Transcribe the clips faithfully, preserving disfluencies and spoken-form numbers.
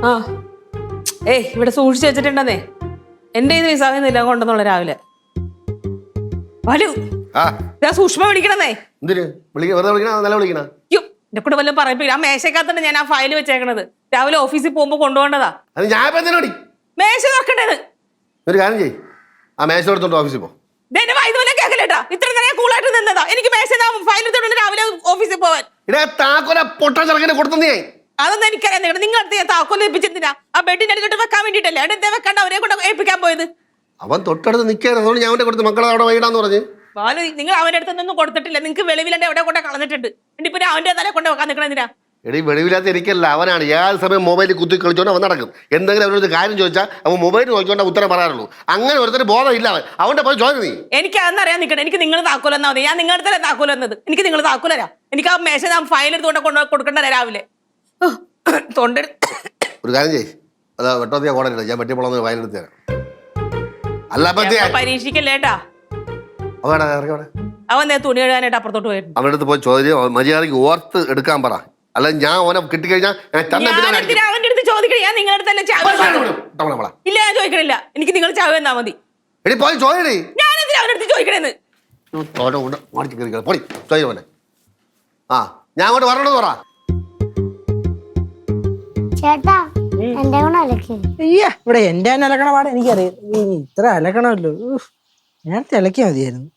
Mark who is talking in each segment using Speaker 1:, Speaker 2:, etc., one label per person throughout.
Speaker 1: ആ ഏയ് ഇവിടെ സൂക്ഷിച്ചു വെച്ചിട്ടുണ്ടെന്നേ എന്റെ ഇത് വിസാഖിന്നില്ല കൊണ്ടെന്നുള്ള രാവിലെ വലു ഞാൻ സൂക്ഷ്മ വിളിക്കണമെന്നേ എന്റെ കൂടെ വല്ലതും പറയിപ്പില്ല ആ മേശക്കകത്തുണ്ട് ഞാൻ ആ ഫയൽ വെച്ചേക്കണത് രാവിലെ ഓഫീസിൽ പോകുമ്പോ കൊണ്ടുപോകേണ്ടതാ മേശ തുറക്കണ്ടേന്ന്
Speaker 2: ഒരു കാര്യം ചെയ്യ് ആ മേശ എടുത്തോണ്ട് ഓഫീസിൽ പോ
Speaker 1: കേൾക്കലേട്ടാ ഇത്ര നേരം കൂളായിട്ട് നിന്നതാ എനിക്ക് മേശ ഫയൽ എടുത്തോണ്ട് രാവിലെ ഓഫീസിൽ പോവാൻ അതൊന്നും എനിക്കറിയാം നിങ്ങൾ നിങ്ങളടുത്ത് ഞാൻ താക്കോല് ഏൽപ്പിച്ചിരുന്നില്ല ആ ബെഡിന്റെ അടുത്തോട്ട് വെക്കാൻ വേണ്ടിട്ടല്ലേ അടുത്ത വെക്കാണ്ട് അവരെ കൊണ്ട് ഏൽപ്പിക്കാൻ പോയത്
Speaker 2: അവൻ തൊട്ടടുത്ത് നിൽക്കാൻ അതുകൊണ്ട് ഞാൻ അവന്റെ കൊടുത്ത് മക്കളെ അവിടെ വൈകിടാന്ന് പറഞ്ഞു
Speaker 1: ബാലു നിങ്ങൾ അവന്റെ അടുത്തൊന്നും കൊടുത്തിട്ടില്ല നിങ്ങൾക്ക് വെളിവിലെ എവിടെ കൊണ്ട് കളഞ്ഞിട്ടുണ്ട് ഇപ്പൊ അവന്റെ തല കൊണ്ട് വെക്കാൻ നിൽക്കണെന്തിനാ
Speaker 2: എടീ വെളിവില്ലാത്ത എനിക്കല്ല അവനാണ് ഏത് സമയം മൊബൈലിൽ കുത്തി കളിച്ചോണ്ട് അവൻ നടക്കും എന്തെങ്കിലും അവനൊരു കാര്യം ചോദിച്ചാൽ അവൻ മൊബൈൽ നോക്കിക്കൊണ്ട് ഉത്തരം പറയാറുള്ളൂ അങ്ങനെ ഒരുത്തരം ബോധം ഇല്ല അവൻ അവന്റെ പോയി ചോദിച്ചു നീ
Speaker 1: എനിക്ക് അതെന്നറിയാൻ നിൽക്കണം എനിക്ക് നിങ്ങൾ താക്കോൽ എന്നാ മതി ഞാൻ നിങ്ങളുടെ തന്നെ താക്കോൽ എന്നത് എനിക്ക് നിങ്ങൾ താക്കോലരാ എനിക്ക് ആ മേശ ഞാൻ ഫയൽ എടുത്തുകൊണ്ട് കൊണ്ട് കൊടുക്കണ്ടേ രാവിലെ തൊണ്ട
Speaker 2: ഒരു കാര്യം ചെയ്യ് അതാ വെട്ടോത്തിയ കോടല്ല ഞാൻ വെട്ടിപ്പോളന്ന് ഫയൽ എടുത്ത് തരാം അല്ല
Speaker 1: പരീക്ഷിക്കല്ലേട്ടാ അവൻ തുണി എഴുതാനായിട്ട് അപ്പുറത്തോട്ട് പോയിരുന്നു
Speaker 2: അവൻ്റെ അടുത്ത് പോയി ചോദ്യം മര്യാദയ്ക്ക് ഓർത്ത് എടുക്കാൻ പറ അല്ല ഞാൻ ഓനെ കിട്ടിക്കഴിഞ്ഞാൽ
Speaker 1: അവന്റെ അടുത്ത് ചോദിക്കണേ ഞാൻ നിങ്ങളുടെ അടുത്തല്ലേ ചാവ ഇല്ല ഞാൻ ചോദിക്കണില്ല എനിക്ക് നിങ്ങൾ ചാവ എന്നാ മതി
Speaker 2: എടി പോയി ചോദിക്കണേ
Speaker 1: ഞാനെന്തിനാ അവന്റെ അടുത്ത് ചോദിക്കണേന്ന്
Speaker 2: പൊടി ചോദിക്കണേ ആ ഞാൻ അങ്ങോട്ട് വരണത് പറ
Speaker 3: ചേട്ടാ എന്റെ
Speaker 4: അയ്യ ഇവിടെ എന്റെ തന്നെ അലക്കണ പാടെ എനിക്കറിയാം ഇത്ര അലക്കണമല്ലോ നേരത്തെ അലക്കിയാ മതിയായിരുന്നു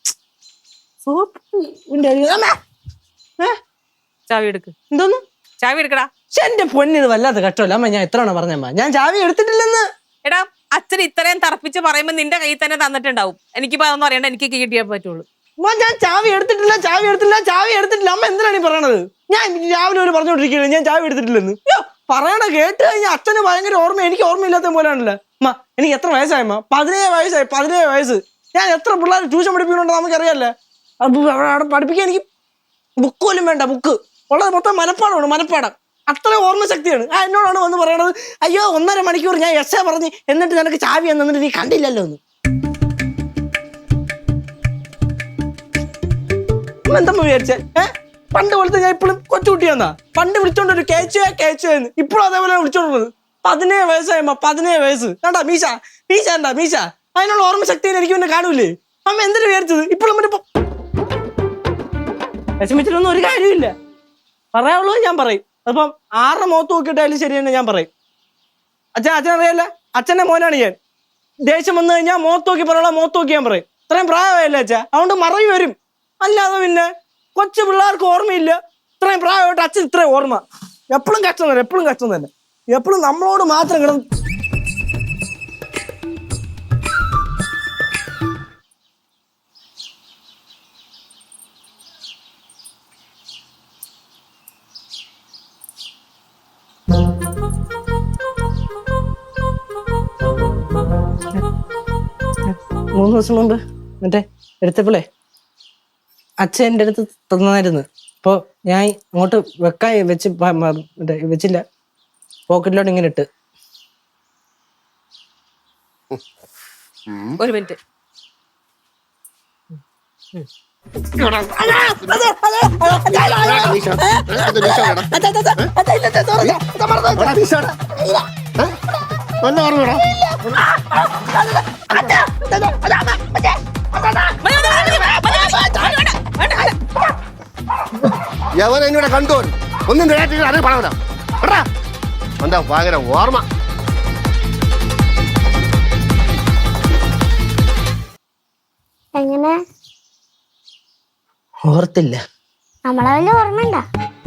Speaker 1: ചാവി എടുക്ക്
Speaker 4: എന്തോന്ന്
Speaker 1: ചാവി എടുക്കടാ
Speaker 4: എന്റെ പൊന്നിത് വല്ലാത്ത കഷ്ടമല്ല അമ്മ ഞാൻ എത്ര പറഞ്ഞമ്മ ഞാൻ ചാവി എടുത്തിട്ടില്ലെന്ന്
Speaker 1: എടാ അച്ഛൻ ഇത്രയും തറപ്പിച്ച് പറയുമ്പോ നിന്റെ കയ്യിൽ തന്നെ തന്നിട്ടുണ്ടാവും എനിക്കിപ്പോ അതൊന്നും അറിയണ്ട എനിക്ക് കിട്ടിയേ പറ്റുള്ളൂ
Speaker 4: ഞാൻ ചാവി എടുത്തിട്ടില്ല ചാവി എടുത്തില്ല ചാവി എടുത്തിട്ടില്ല അമ്മ എന്തിനാണ് ഈ പറയണത് ഞാൻ രാവിലെ ഒരു പറഞ്ഞോണ്ടിരിക്കുന്നത് ഞാൻ ചാവി എടുത്തിട്ടില്ലെന്ന് പറയണ കേട്ട് കഴിഞ്ഞാൽ അച്ഛന് ഭയങ്കര ഓർമ്മ എനിക്ക് ഓർമ്മയില്ലാത്ത പോലെയാണല്ലോ അമ്മ എനിക്ക് എത്ര വയസ്സായമ്മ പതിനേഴ് വയസ്സായി പതിനേഴ് വയസ്സ് ഞാൻ എത്ര പിള്ളേർ ട്യൂഷൻ പഠിപ്പിക്കുന്നുണ്ടോ നമുക്കറിയാല്ലേ അവിടെ പഠിപ്പിക്കാൻ എനിക്ക് ബുക്ക് പോലും വേണ്ട ബുക്ക് ഉള്ളത് മൊത്തം മനപ്പാടമാണ് മനപ്പാടം അത്ര ഓർമ്മ ശക്തിയാണ് ആ എന്നോടാണ് വന്ന് പറയണത് അയ്യോ ഒന്നര മണിക്കൂർ ഞാൻ എസ് എ പറഞ്ഞ് എന്നിട്ട് നിനക്ക് ചാവി എന്നിട്ട് നീ കണ്ടില്ലല്ലോ എന്ന് എന്തമ്മ വിചാരിച്ചേ ഏഹ് പണ്ട് പോലത്തെ ഞാൻ ഇപ്പോഴും കൊച്ചുകുട്ടിയാന്നാ പണ്ട് വിളിച്ചോണ്ടൊരു കേച്ചോ കേച്ചോ എന്ന് ഇപ്പോഴും അതേപോലെ വിളിച്ചോണ്ടത് പതിനേഴ് വയസ്സായമ്മ പതിനേഴ് വയസ്സ് കണ്ടാ മീശ മീശ എന്താ മീശ അതിനുള്ള ഓർമ്മ ശക്തി എനിക്ക് പിന്നെ കാണൂലേ അമ്മ എന്തിനു വിചാരിച്ചത് ഇപ്പോഴും മറ്റേ വിഷമിച്ചിട്ടൊന്നും ഒരു കാര്യമില്ല പറയാനുള്ളൂ ഞാൻ പറയും അപ്പം ആരുടെ മുഖത്ത് നോക്കിയിട്ടായാലും ശരി തന്നെ ഞാൻ പറയും അച്ഛൻ അച്ഛൻ അറിയാല്ല അച്ഛൻ്റെ മോനാണ് ഞാൻ ദേഷ്യം വന്നു കഴിഞ്ഞാൽ മുഖത്ത് നോക്കി പറയാനുള്ള മുഖത്ത് നോക്കി ഞാൻ പറയും ഇത്രയും പ്രായമായില്ല അച്ഛാ അതുകൊണ്ട് മറവി വരും അല്ലാതെ പിന്നെ കൊച്ചു പിള്ളേർക്ക് ഓർമ്മയില്ല ഇത്രയും പ്രായമായിട്ട് അച്ഛൻ ഇത്രയും ഓർമ്മ എപ്പോഴും കഷ്ടം തന്നെ എപ്പോഴും കഷ്ടം തന്നെ എപ്പോഴും നമ്മളോട് മാത്രം കിടന്ന് മൂന്ന് ദിവസം മുമ്പ് മറ്റേ എടുത്തപ്പോളേ അച്ഛൻ എൻ്റെ അടുത്ത് തന്നായിരുന്നു അപ്പോൾ ഞാൻ അങ്ങോട്ട് വെക്കാൻ വെച്ച് മറ്റേ വെച്ചില്ല പോക്കറ്റിലോട്ട് ഇങ്ങനെ ഇട്ട്
Speaker 1: ഒരു മിനിറ്റ്
Speaker 2: യവൻ എന്നോട് കണ്ടു ഒന്നും അത് പണം എന്താ ഭയങ്കര ഓർമ്മ
Speaker 3: എങ്ങനെ
Speaker 4: ഓർത്തില്ല
Speaker 3: നമ്മളെ വല്ല ഓർമ്മ ഉണ്ടാ